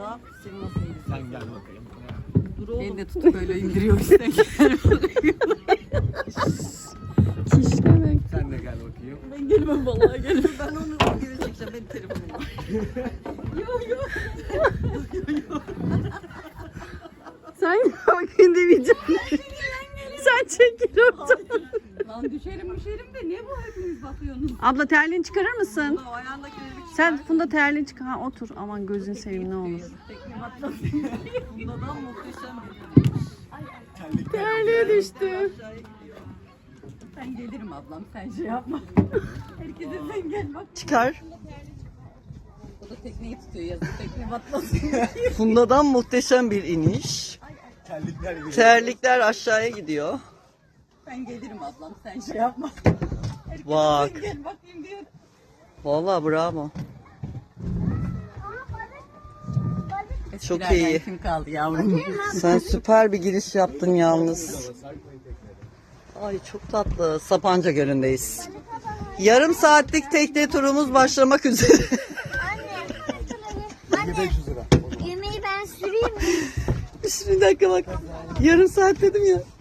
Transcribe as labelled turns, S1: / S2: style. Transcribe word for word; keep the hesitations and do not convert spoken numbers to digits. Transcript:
S1: Valla seni nasıl yedin?
S2: Sen gel bakayım.
S1: Dur oğlum. Beni de tutup böyle indiriyor işte.
S3: Kişnemek.
S2: Sen de gel bakayım.
S1: Ben gelmem vallahi gelmem. Ben onu geri çekeceğim. Benim telefonum var. Yok yok.
S3: Sen bakayım demeyeceğim. Sen çekil oradan.
S1: Lan düşerim düşerim de niye bu hepiniz bakıyorsunuz?
S3: Abla terliğini çıkarır mısın?
S1: O ayağındaki bir
S3: Sen Funda terliğini çıkar. Ha, otur. Aman gözün seveyim ne olur.
S1: tekme atlasın. Bundan muhteşem bir
S3: Terliğe düştü.
S1: Ben gelirim ablam sen şey yapma. Herkese sen gel bak.
S3: Çıkar.
S1: O da tekneyi tutuyor yazık tekme batmasın.
S3: Funda'dan muhteşem bir iniş.
S2: Terlikler gibi.
S3: Terlikler aşağıya gidiyor.
S1: Ben gelirim ablam sen şey yapma. Herkese
S3: Bak.
S1: sen gel bakayım diyor.
S3: Vallahi bravo. Çok
S1: Birazdan
S3: iyi.
S1: Kim kaldı yavrum?
S3: Sen süper bir giriş yaptın yalnız. Ay çok tatlı. Sapanca Gölü'ndeyiz. Yarım saatlik tekne turumuz başlamak üzere.
S4: Anne, anne,
S2: beş yüz lira.
S4: yemeği ben süreyim mi?
S3: Bir dakika bak. Yarım saat dedim ya.